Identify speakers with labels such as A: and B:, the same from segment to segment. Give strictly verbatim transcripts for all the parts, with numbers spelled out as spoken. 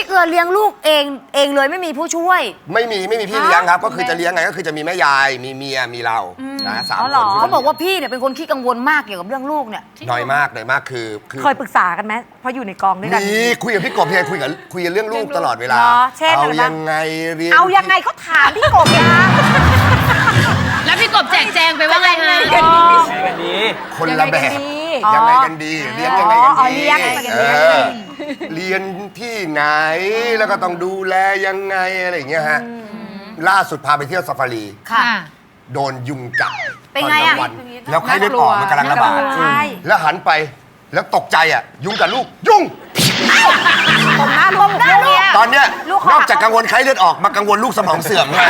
A: เกลือเลี้ยงลูกเองเองเลยไม่มีผู้ช่วย
B: ไม่มีไม่มีพี่เลี้ยงครับก็คือจะเลี้ยงไงก็คือจะมีแม่ยายมีเมียมีเรานะสามคน
A: เขาบอกว่าพี่เนี่ยเป็นคนขี้กังวลมากเกี่ยวกับเรื่องลูกเนี่ย
B: น้อยมากน้อยมากคือ
C: เคยปรึกษากันไหมเพราะอยู่ในกองด้วยกัน
B: มีคุยกับพี่กบพี่คุยกับคุยกันเรื่องลูกตลอดเวลาเอายังไงเรียน
C: เอายังไงเขาถามพี่กบนะ
D: แล้วพี่กบแจกแจงไปว่าไงฮะ
B: คนละแบบยังไงกันดีเลี้ยงยังไงกันดีเรียนที่ไหนแล้วก็ต้องดูแลยังไงอะไรอย่างเงี้ยฮะล่าสุดพาไปเที่ยวซาฟารี
A: ค่ะ
B: โดนยุงกัด
A: เป็นไงอ่ะ
B: แล้วไข้เลือดออกมันกำลังระบาดแล้วหันไปแล้วตกใจอ่ะยุงกับลูกยุง
A: ผมหน้าลูก
B: ตอนเนี้ยนอกจากกังวลไข้เลือดออกมากังวลลูกสมองเสื่อมเลย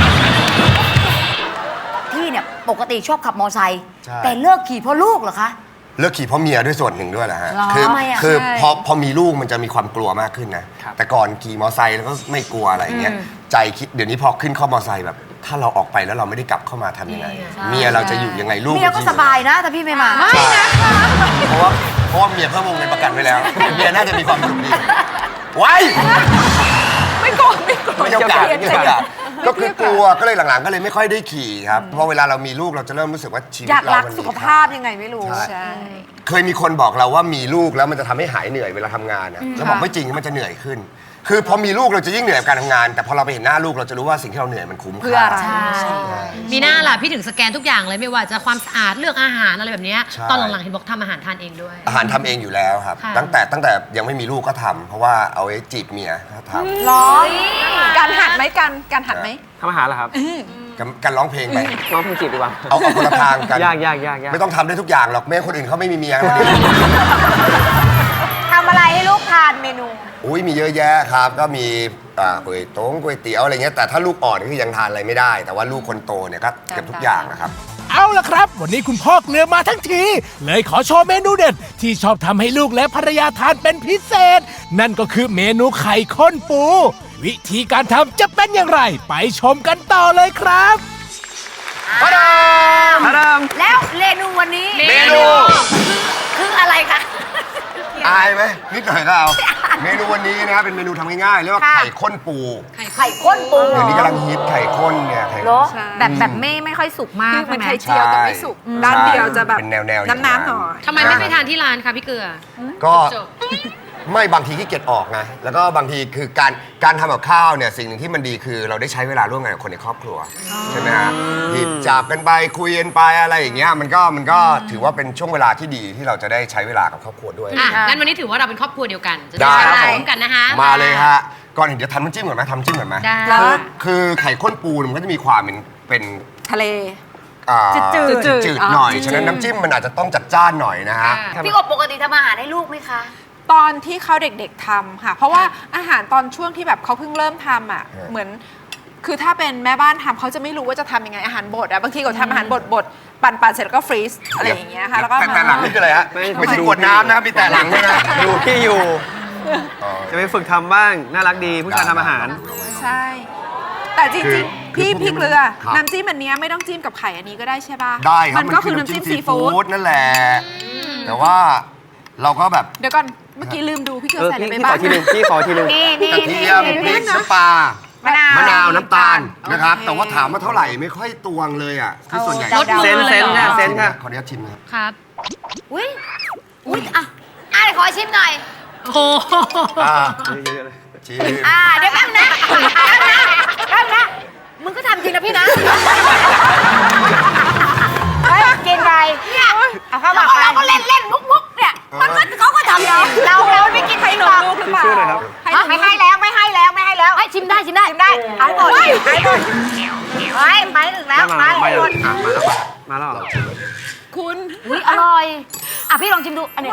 A: พี่เนี่ยปกติชอบขับมอไซค์แต่เลิกขี่เพราะลูกเหรอคะ
B: เลิกขี่เพราะเมียด้วยส่วนหนึ่งด้วยแหละฮะคือคือพอพอมีลูกมันจะมีความกลัวมากขึ้นนะแต่ก่อนขี่มอไซค์แล้วก็ไม่กลัวอะไรเงี้ยใจคิดเดี๋ยวนี้พอขึ้นข้อมอไซค์แบบถ้าเราออกไปแล้วเราไม่ได้กลับเข้ามาทำยังไงเมียเราจะอยู่ยังไงลูก
A: เมียก็สบายนะถ้าพี่ไม่มา
B: ไม่นะเพราะว่าเพราะว่าเมียเพิ่มวงเงินประกันไว้แล้วเมียน่าจะมีความสุขดีไว้
C: ไม่โกรธไม่โกรธ
B: ไม่ต้องการไม่ต้องการก็คือกลัวก็เลยหลังๆก็เลยไม่ค่อยได้ขี่ครับเพราะเวลาเรามีลูกเราจะเริ่มรู้สึกว่าชีวิตเรามัน
C: สุขภาพยังไงไม่รู้
B: ใช่เคยมีคนบอกเราว่ามีลูกแล้วมันจะทำให้หายเหนื่อยเวลาทำงานนะแล้วบอกไม่จริงมันจะเหนื่อยขึ้นคือพอมีลูกเราจะยิ่งเหนื่อยกับการทำงานแต่พอเราไปเห็นหน้าลูกเราจะรู้ว่าสิ่งที่เราเหนื่อยมันคุ้มค่า
A: ใช่
D: มีหน้าล่ะพี่ถึงสแกนทุกอย่างเลยไม่ว่าจะความสะอาดเลือกอาหารอะไรแบบนี้ตอนหลังๆเห็นบอกทำอาหารทานเองด้วย
B: อาหารทำเองอยู่แล้วครับตั้งแต่ตั้งแต่ยังไม่มีลูกก็ทำเพราะว่าเอาไว้จีบเมียก็ทำ
C: ร้องการหัดไหมการการหัดไหม
E: ทำอาหารเหรอครับ
B: การร้องเพลงไป
E: ร้องเพลงจีบดีกว่า
B: เอาเอาคนละทางกัน
E: ยากยากยาก
B: ไม่ต้องทำได้ทุกอย่างหรอกแม่คนอื่นเขาไม่มีเมีย
A: ทำอะไรให้ลูกทานเมนู
B: อุ้ยมีเยอะแยะครับก็มีก๋วยต้มก๋วยเตี๋ยวอะไรเงี้ยแต่ถ้าลูกอ่อนก็ยังทานอะไรไม่ได้แต่ว่าลูกคนโตเนี่ยก็เก็บทุกอย่างนะครับ
F: เอาล่ะครับวันนี้คุณพ่อเกลือมาทั้งทีเลยขอโชว์เมนูเด็ดที่ชอบทำให้ลูกและภรรยาทานเป็นพิเศษนั่นก็คือเมนูไข่ข้นปูวิธีการทำจะเป็นอย่างไรไปชมกันต่อเลยครับ
B: พะดาม
E: พะดาม
A: แล้วเมนูวันนี้
B: เมนู
A: คืออะไรคะ
B: อายไหมนิดหน่อยก็เอาเมนูวันนี้นะครับเป็นเมนูทำง่ายๆเรียกว่าไข่ข้นปู
A: ไข่ข้นปู
B: เดี๋ยวนี้กำลังฮิตไข่ข้นเนี่ยไข่
C: แบบแบบไม่ไม่ค่อยสุกมาก
G: ใช่ไหมไข่เจียวแต่ไม่สุกด้านเดียวจะแบบ
B: เป็นแนวๆ
G: น้ำๆหน่อย
D: ทำไมไม่ไปทานที่ร้านคะพี่เกลือ
B: ก็ไม่บางทีขี้เกียจออกไงแล้วก็บางทีคือการการทำกับข้าวเนี่ยสิ่งหนึ่งที่มันดีคือเราได้ใช้เวลาร่วมกันกับคนในครอบครัวใช่ไหมฮะหยิบจับกันไปคุยกันไปอะไรอย่างเงี้ยมันก็มันก็ถือว่าเป็นช่วงเวลาที่ดีที่เราจะได้ใช้เวลากับครอบครัวด้วย
D: อ่ะงั้นวันนี้ถือว่าเราเป็นครอบครัวเดียวกันจะได้ใช้เวลาร่วมกันนะคะ
B: มาเลยฮะก่อนอื่นเดี๋ยวทำน้ำจิ้มก่อนไหมทำจิ้มก่อนไหมคือคือไข่ข้นปูมันก็จะมีความเป็นเป็น
G: ทะเล
B: จืดจืดหน่อยฉะนั้นน้ำจิ้มมันอาจจะต้องจัดจ้านหน่อยนะฮะ
A: พี่กบปกติทำอาหารให้ลูกไหมคะ
G: ตอนที่เขาเด็กๆทำค่ะเพราะว่าอาหารตอนช่วงที่แบบเขาเพิ่งเริ่มทำอ่ะเหมือนคือถ้าเป็นแม่บ้านทำเขาจะไม่รู้ว่าจะทำยังไงอาหารบดอ่ะบางทีก็ทำอาหารบดบดปั่นปั่นเสร็จแล้วก็ฟรีซอะไรอย่างเงี้ยค่ะแล้วก็
B: แต่หลังนี่คืออะไรฮะไม่ใช่กดน้ำนะครับมีแต่หลังด้วยนะ
E: ดูพี่อยู่จะไปฝึกทำบ้างน่ารักดีผู้ชายทำอาหาร
G: ใช่แต่จริงๆพี่พี่เกลือน้ำจิ้มอันนี้ไม่ต้องจิ้มกับไข่อันนี้ก็ได้ใช่ป่ะ
B: ได้ครับ
G: มันก็คือน้ำจิ้มซีฟู้ด
B: นั่นแหละแต่ว่าเราก็แบบ
G: เดี๋ยวก่อนเมื่อกี้ลืมดูพี่เกลือใส่อะไรไปบ้าง
E: พี่ขอทีนึงพี่ขอทีนึง
B: กระเทียมพริกน้ำปลามะนาวมะนาวน้ำตาลนะครับแต่ว่าถามว่าเท่าไหร่ไม่ค่อยตวงเลยอ่ะคือส่วนใหญ่
E: เซนเซนนะเซนค่ะ
B: ขออนุญาตชิมครับ
D: ครับ
A: อุ้ยอุ้ยอ่ะอ่ะขอชิมหน่อย
D: โอ้
B: อ่าชิม
A: อ่าเดี๋ยวแป๊บนะแป๊บนะมึงก็ทำจริงนะพี่นะกินไปเนี่ยเอาเข้ามาเราก็เล่นเล่นมุกมุกเนี่ยมันก็เขาก็ทำเราเราเราไม่กินไข่หนุ่มลูกหรือเปล่าไม่ให้แล้วไม่ให้แล้วไม่ให้แล้วให้ชิมได้ชิมได้ชิมได้เอาหมดให้หมดไปไปถึงแล้วไปหมด
E: มาแล้ว
G: คุณ
A: อุ้ยอร่อยอ่ะพี่ลองชิมดูอันนี้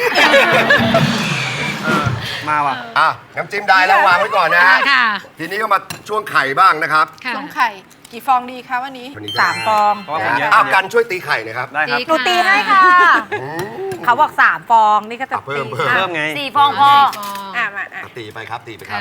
E: มาว่ะ
B: อ่ะน้ำจิ้มได้แล้ววางไว้ก่อนนะฮะทีนี้ก็มาช่วงไข่บ้างนะครับ
G: ช่วงไข่กี่ฟองดีคะวันนี้
C: สามฟอง
B: อ้าวกันช่วยตีไข่หน่อยครับ
E: ได้ครับ
C: หนูตีให้ค่ะเขาบอกสามฟองนี่ก็จะ
B: เพิ่ม
E: เพิ่มไง
A: สี่ฟองพอ
G: อ่ะมา
B: ตีไปครับตีไปครับ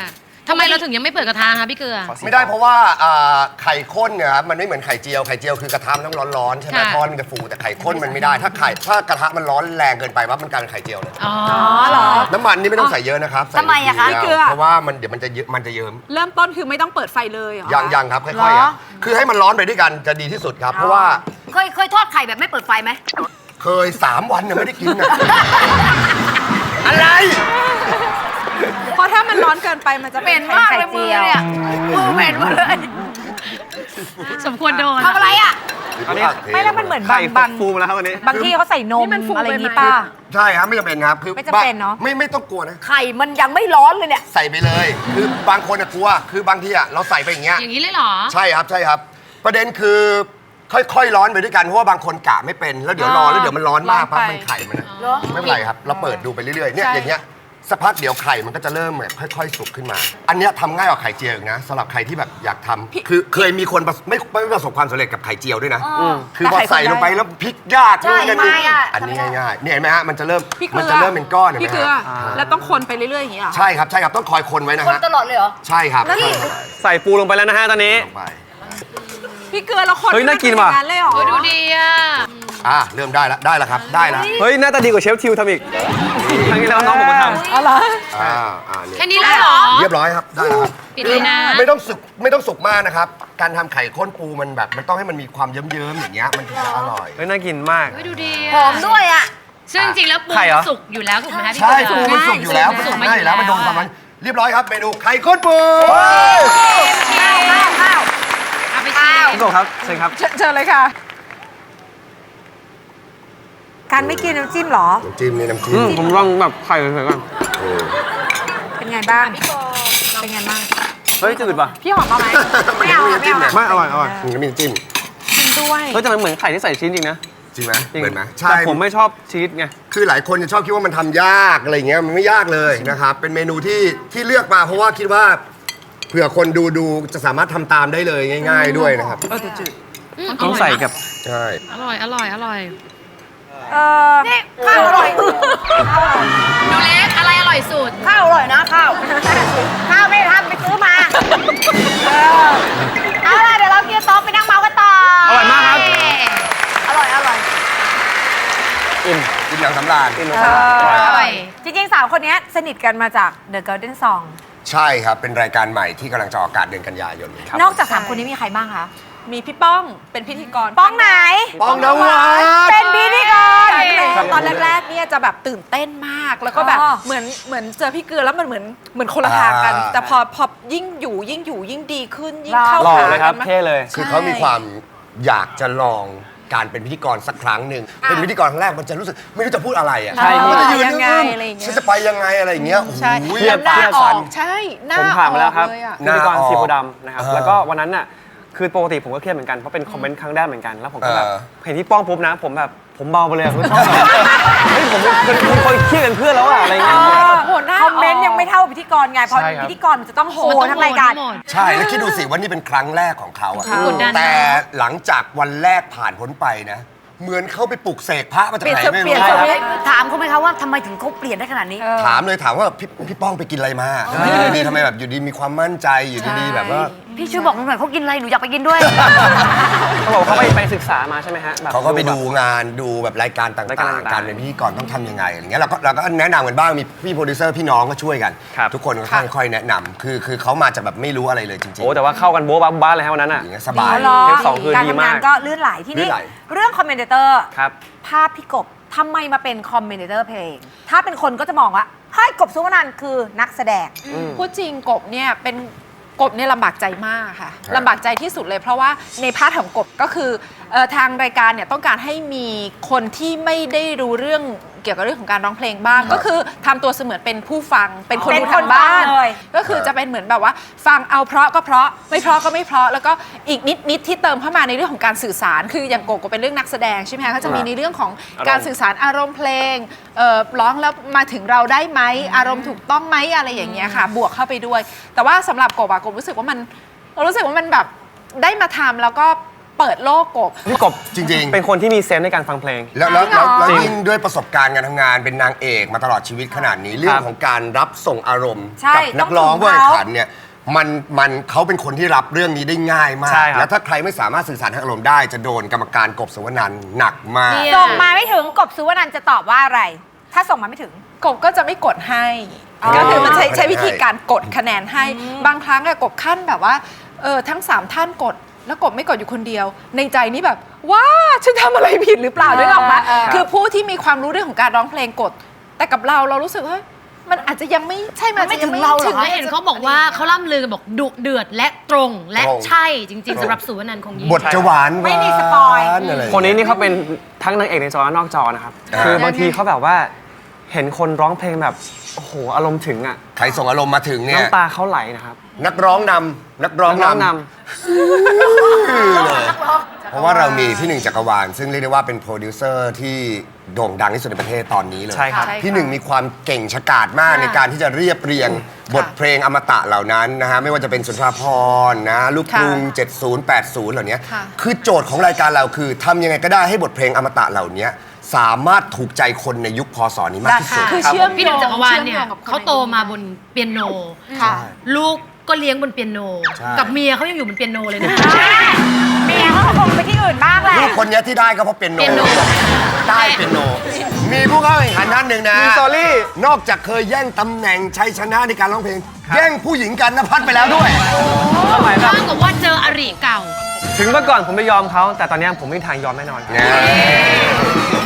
D: ทำไมเราถึงยังไม่เปิดกระทะคะพี่เกลือ
B: ไม่ได้เพราะว่าอ่าไข่ข้นเนี่ยครับมันไม่เหมือนไข่เจียวไข่เจียวคือกระทะมันต้องร้อนๆใช่ไหม
D: ค่ะ
B: ทอดมันจะฟูแต่ไข่ข้นมันไม่ได้ถ้าไข่ถ้ากระทะมันร้อนแรงเกินไปว่ามันกลายเป็นไข่เจียวเลย
D: อ๋อ
C: เหรอ
B: น้ำมันนี่ไม่ต้องใส่เยอะนะครับใส่
A: ทำไมอะคะ
B: นิด
G: เกลื
B: เดียว
G: อ
B: เพราะว่ามันเดี๋ยวมันจะเยอะมันจะเยิ้ม
G: เริ่มต้นคือไม่ต้องเปิดไฟเลยเหรอ
B: ยังยังครับค่อยๆอ่ะคือให้มันร้อนไปด้วยกันจะดีที่สุดครับ เพราะว่า
A: เคยเคยทอดไข่แบบไม่เปิดไฟไหม
B: เคยสามวันเนี่ยไม่ได้กินอ่ะ อะไร
G: เพราะถ้ามันร้อนเกินไปมันจะ
A: เหม็นมากเลยมือเนี่ยมือเหม็นหมดเลย
D: สมควรโดน
A: ทำอะไรอ่ะ
E: อันนี้
C: ไม่แล้วมันเหมือนบา
E: ไข่
C: งบาง
E: ฟูมาแล้วครับวันนี้
C: บางที่เขาใส่นมอะไรอย่างนี้ป่ะ
B: ใช่ครับไม่จำเป็นครับคือ
C: ไม่จำเป็นเนอะ
B: ไม่ไม่ต้องกลัวนะ
A: ไข่มันยังไม่ร้อนเลยเนี่ย
B: ใส่ไปเลย คือบางคนอะกลัว คือบางทีอะเราใส่ไปอย่างเงี้ย
D: อย่างนี้เลยเหรอ
B: ใช่ครับใช่ครับ ประเด็นคือค่อยๆร้อนไปด้วยกันเพราะว่าบางคนกะไม่เป็นแล้วเดี๋ยวรอแล้วเดี๋ยวมันร้อนมากปั๊บมันไข่มันอะ
A: เหรอ
B: ไม่เป็นไรครับ เราเปิดดูไปเรื่อยๆเนี่ยอย่างเงี้ยสักพักเดี๋ยวไข่มันก็จะเริ่มแบบค่อยๆสุกขึ้นมา อันเนี้ยทำง่ายกว่าไข่เจียวอีกนะสำหรับใครที่แบบอยากทำคือเคยมีคนประสไม่ไม่ประสบความสำเร็จกับไข่เจียวด้วยนะคือพอใส่ลงไปแล้วพลิกยาก
A: ใช่
B: นู่นนั่น
A: ไม่
B: นี่
A: อะ
B: อันนี้ง่ายๆเนี่ยเห็นไหมฮะมันจะเริ่ม
G: พี่เกลื
B: มัน
G: อ
B: จะเริ่มเป็นก้อนเห็นไหม
G: พี่เกลือ
B: ฮะ
G: แล้วต้องคนไปเรื่อยๆอย่างนี้เหรอ
B: ใช่ครับใช่ครับต้องคอยคนไว้นะ
A: คน
B: ฮะ
A: ตลอดเลยเหรอ
B: ใช่ครับ
A: แล้วนี่
E: ใส่ปูลงไปแล้วนะฮะตอนนี้
B: ลงไป
G: พี่เกลือแล้วคน
E: เฮ้ยน่ากินว่ะ
G: เป็อย่งเลยเหรอ
D: โอ้ยดูดีอ่ะ
B: อ่ะเริ่มได้แล้วได้แล้วครับได้แล้ว
E: เฮ้ยหน้าตาดีกว่าเชฟทิวทำอีกครั้งที่แล้วน้องผมมาทำ
C: เอาเหรอ
B: อ่าอ่าเนี่ย
D: แค่นี้แล้วเหรอ
B: เรียบร้อยครับได้แล้วครับ
D: ปิดเลยนะ
B: ไม่ต้องสุกไม่ต้องสุกมากนะครับ การทำไข่ข้นปูมันแบบมันต้องให้มันมีความเยิ้มๆอย่างเงี้ยมันถึงจะอร่อย
E: เฮ้ยน่ากินมาก
D: เฮ้ยดูดี
A: หอมด้วยอ่ะ
D: ซึ่งจริงๆแล้วปู
E: ไข่เหรอ
D: สุกอยู่แล้วถูกไหมคะพี่
B: ใช่
D: เกลื
B: ปู
D: อ
B: มันสุกอยู่แล้วมัน
D: สุก
B: ทำ
D: มา
B: ได้
D: อ
B: อยู่ ยู่แล้วมันโดนความ
D: อะ
B: มันเรียบร้อยครับเมนูไข่ข้นปู
A: ข้าวข้าวข้าว
D: เอาไปชิม
E: พี่กบครับเชิญครับ
G: เชิญเชิญเลยค่ะ
C: การไม่กินน้ำจิ้มเหรอ
B: น้ำจิ้มนี่น้ำจิ้
E: อื
B: ม
E: มผมลองแบบไข่เฉยๆก่อน
B: เออ
C: เป็นไงบ้าง เป็นไงบ้าง
E: เฮ้ยจืดป่ะ
G: พี่หอมเอาไหม
B: ไม่เอาไม่เอา
E: ไม่อร่อยอร่อย
B: มันก็มีน้ำจิ้ม
G: กินด้วย
E: เฮ้ยแต่มันเหมือนไข่ที่ใส่ชิ้นจริงนะ
B: จริงไหม
E: จริง
B: เหมือนไหมใช่
E: แต่ผมไม่ชอบชีสไง
B: คือหลายคนจะชอบคิดว่ามันทำยากอะไรอย่างเงี้ยมันไม่ยากเลยนะครับเป็นเมนูที่ที่เลือกมาเพราะว่าคิดว่าเผื่อคนดูดูจะสามารถทำตามได้เลยง่าย ๆด้วยนะครับ
G: เออแต่จืด
D: ม
E: ต้องใส่กับ
B: ใช่
D: อร่อยอร่อยอร่อย
C: เออ
A: นี่ข้าวอร่อย
D: ดูเล็กอะไรอร่อยสุด
A: ข้าวอร่อยนะข้าว ข้าวไม่ได้ทำไปซื้อมาเออเอาล่ะเดี๋ยวเราเกียร์โต๊ะไปนั่งเมาส์กันต่อ
E: อร่อยมากครับ
A: อร่อยอร่อย
E: อิ่ม
B: กินอย่างสำราญ
E: อิ่ม
C: เอ
E: นะครับ
D: อร่
C: อ
D: อย
C: จริงๆสาวคนนี้สนิทกันมาจาก The Golden Song
B: ใช่ครับ เป็นรายการใหม่ที่กำลังจะออกอากาศเดือนกันยายนนี้ครับ
C: นอกจากสามคนนี้มีใครบ้างคะ
G: มีพี่ป้องเป็นพิธีกร
C: ป้องไหน
B: ปองนวัด
C: เป็นพิธีกร
G: ตอนแรกๆเนี่ยจะแบบตื่นเต้นมาก แล้วก็แบบ
C: อ๋อ
G: เหมือนเหมือนเจอพี่เกลือแล้วมันเหมือนเหมือนคนละทางกัน แต่พอพอยิ่งอยู่ยิ่งอยู่ยิ่งดีขึ้นยิ่งเข้า
E: หล่อ
G: หา
E: เลยครับ
G: กันมาก
E: เท่เลย
B: คือเขามีความอยากจะลองการเป็นพิธีกรสักครั้งหนึ่งเป็นพิธีกรครั้งแรกมันจะรู้สึกไม่รู้จะพูดอะไรอ่ะ
E: ใช่
B: มันจะยืน
G: ยังไง
B: นิ่ง
G: อะไรอย่างเงี้ย
B: ฉันจะไปยังไงอะไรอย่างเงี้ยโอ้โห
G: ใช่
E: เครียด
G: หน้า
E: เครียด
G: อ
E: ฟั
G: อน กใช่หน้า
E: ผมผ่านมาแล้วครับ
G: ออกเลยอะ
E: พิธีกร
B: หน้าออก
E: สีโพธิ์ดำนะครับ
B: เออ
E: แล้วก็วันนั้นน่ะคือปกติผมก็เครียดเหมือนกันเพราะเป็นคอมเมนต์ครั้งแรกเหมือนกันแล้วผมก็แบบ
B: เออ
E: เห็นที่ป้องปุ๊บนะ ผมแบบผมเบาไปเลยอะผมชอบแบบเฮ้ยผมเป็นเป็นคนเครียดเป็นเพื่อนแล้วอะอะไรเงี้ย
G: โหหน้า
C: คอมเมนต์ยังไม่เท่าพิธีกรไง เพราะ
E: ใช่ครับ
C: พิธีกรมันจะต้องโห
D: มันต้อง
C: ทั้งรายการ
D: โหด
B: ใช่แล้วคิดดูสิว่านี่เป็นครั้งแรกของเขาอะ
D: กดดัน
B: แต่หลังจากวันแรกผ่านพ้นไปนะ เหมือนเขาไปปลุกเสกพระมาจากไหนไม่
G: เปลี่
B: รู้
G: ยนสวิต
A: ถามเขาไหมคะว่าทำไมถึงเขาเปลี่ยนได้ขนาดนี้
B: ถามเลยถามว่าพี่พี่ป้องไปกินอะไรมาทำไมอยู่ดีๆทำไมแบบอยู่ดีมีความมั่นใจอยู่ดีๆแบบว่า
A: พี่ช่วยบอกหนูหน่อยเขากินอะไรหนูอยากไปกินด้วย
E: เขาบอกเขาไปไปศึกษามาใช่ไหมฮะแบบ
B: เขาก็ไปดูงานดูแบบรายการต่
E: รายการ
B: างๆ
E: ต่างๆ
B: การเป็นพิธีกรต้องทำยังไงอะไรเงี้ยเราก็เราก็แนะนำกันบ้างมีพี่โปรดิวเซอร์พี่น้องก็ช่วยกัน
E: ครับ
B: ทุกคนก็ค่อยๆแนะนำคือคือเขามาจากแบบไม่รู้อะไรเลยจริงๆ
E: โอ้แต่ว่าเข้ากันโบ๊ะบ้าบ้าเลยฮะวันนั้นอ่ะ
B: อย่างเงี้ยสบาย
C: อ๋อเหรอ
E: เทปสองคือ
C: การ
E: ดี
C: ทำ
E: มาก
C: งานก็ลื่นไหลที่
B: ลื่
C: นี่
B: นไหล
C: เรื่องคอมเมนเตอร์
E: ครับ
C: ภาพพี่กบทำไมมาเป็นคอมเมนเตอร์เพลง ถ้าเป็นคนก็จะมองว่าเฮ้ยกบสุวรรณคือนักแสดง
G: พูดจริงกบเนี่ยเป็นกบเนี่ยลำบากใจมากค่ะลำบากใจที่สุดเลย เพราะว่าในพาร์ทของกบก็คือเอ่อทางรายการเนี่ยต้องการให้มีคนที่ไม่ได้รู้เรื่องเกี่ยวกับเรื่องของการร้องเพลงบ้าง ก็คือทำตัวเสมือนเป็นผู้ฟังเป็นคน
C: เป็น
G: ดู
C: คน
G: ทางบ้าน
C: ฟังเลย
G: ก็คือจะเป็นเหมือนแบบว่า ฟังเอาเพราะก็เพราะไม่เพราะก็ไม่เพราะแล้วก็อีกนิดนิดที่เติมเข้ามาในเรื่องของการสื่อสาร คืออย่างโกก็เป็นเรื่องนักแสดงใช่ไหมคะก็จะมีในเรื่องของการสื่อสารอารมณ์เพลงเอ่อร้องแล้วมาถึงเราได้ไหมอารมณ์ถูกต้องไหมอะไรอย่างเงี้ยค่ะ บวกเข้าไปด้วย แต่ว่าสำหรับกบอะกบรู้สึกว่ามันรู้สึกว่ามันแบบได้มาทำแล้วก็เปิดโลกกบ
E: พี่กบ
B: จริงๆ
E: เป็นคนที่มีเซนส์ในการฟังเพลง
B: แล้วแล้วแล้วแล้ว
E: จริง
B: ยิ่งด้วยประสบการณ์การทำงานเป็นนางเอกมาตลอดชีวิตขนาดนี้ เรื่องของการรับส่งอารมณ์
C: ใช่
B: กันักร้อง
C: ต้องถึง
B: ผู้แข่ง
C: เขา
B: ขันเนี่ยมันมันเขาเป็นคนที่รับเรื่องนี้ได้ง่ายมาก
E: ใช่ครับ
B: แล้วถ้าใครไม่สามารถสื่อสารทางอารมณ์ได้จะโดนกรรมการกบสุวรรณันท์หนักมาก
C: ส่งมาไม่ถึงกบสุวรรณันท์จะตอบว่าอะไร ถ้าส่งมาไม่ถึง
G: กบก็จะไม่กดให้
B: อ๋อ
G: ก็คือมันใช้ใช้วิธี
B: ให้
G: การกดคะแนนให้ บางครั้งอะกบขั้นแบบว่าเออทั้งสามท่านกด แล้วกบไม่กดอยู่คนเดียว ในใจนี่แบบว้าฉันทำอะไรผิดหรือเปล่าด้วยหรอกมะ
C: เออเออ
G: คือผู้ที่มีความรู้เรื่องของการร้องเพลงกด แต่กับเราเรารู้สึกว่ามันอาจจะยังไม่ใช่มันอาจจะยังไม่ถึง
D: และเห็นเขาบอกว่าเขาล่ำลือกันบอกดุเดือดและตรงและ
B: ตรง
D: ใช่จริง ๆสำหรับสุวรรณันท์คงยิ่ง
B: บทจะหวาน
C: ไม่มีสปอย
B: หวานอะไร
E: คนนี้นี่เขาเป็นทั้งนางเอกในจอและนอกจอนะครับ
B: อ่า
E: คือบางทีเขาแบบว่าเห็นคนร้องเพลงแบบโอ้โหอารมณ์ถึงอ่ะ
B: ใครส่งอารมณ์มาถึงเนี่ย
E: น้ำตาเขาไหลนะครับ
B: นักร้องนำนักร้อง
E: น้อง
B: นำ
E: น
B: เลยเพราะว่าเรามีพี่หนึ่งจักรวาลซึ่งเรียกได้ว่าเป็นโปรดิวเซอร์ที่โด่งดังที่สุดในประเทศตอนนี้เลย
E: ใช่ครับ
G: ใช่ค่ะ
B: พี่หนึ่งมีความเก่งฉกาจมากในการที่จะเรียบเรียงบทเพลงอมตะเหล่านั้นนะฮะไม่ว่าจะเป็นสุนทรภรณ์นะลูกกรุง เจ็ดศูนย์ แปดศูนย์ เหล่านี้
G: ค่ะ
B: คือโจทย์ของรายการเราคือทำยังไงก็ได้ให้บทเพลงอมตะเหล่านี้สามารถถูกใจคนในยุคพศนี้มากที่สุด
G: คือเชื่อม
D: พี่
G: โย
D: หนึ่ง
G: ง
D: จักรวาลเนี่ย
G: ชื่อมโงกับค
D: เขาโตมาบนเปียโน
G: ค่ะ
D: ลูกก็เลี้ยงบนเปียโน
B: ใช่
D: กับเมียเขายังอยู่บนเปียโนเลยนะ
C: เมียเขาก็คงไปที่อื่นบ้างแหละ
B: ลูกคนนี้ที่ได้ก็เพราะเป็นโน
D: เปียโน
B: ได้เป็นโน มีผู้เข้าแข่งขันท่านหนึ่งนะ
E: ำมีสตอรี่
B: นอกจากเคยแย่งตำแหน่งชัยชนะในการร้องเพลง แย่งผู้หญิงกันนภัสไปแล้วด้วย
E: สมัยแบบ
D: เท่ากับว่าเจออริเก่า
E: ถึงเมื่อก่อนผมไม่ยอมเขาแต่ตอนนี้ผมไม่มีทางยอมแน่นอน
B: เนี่ย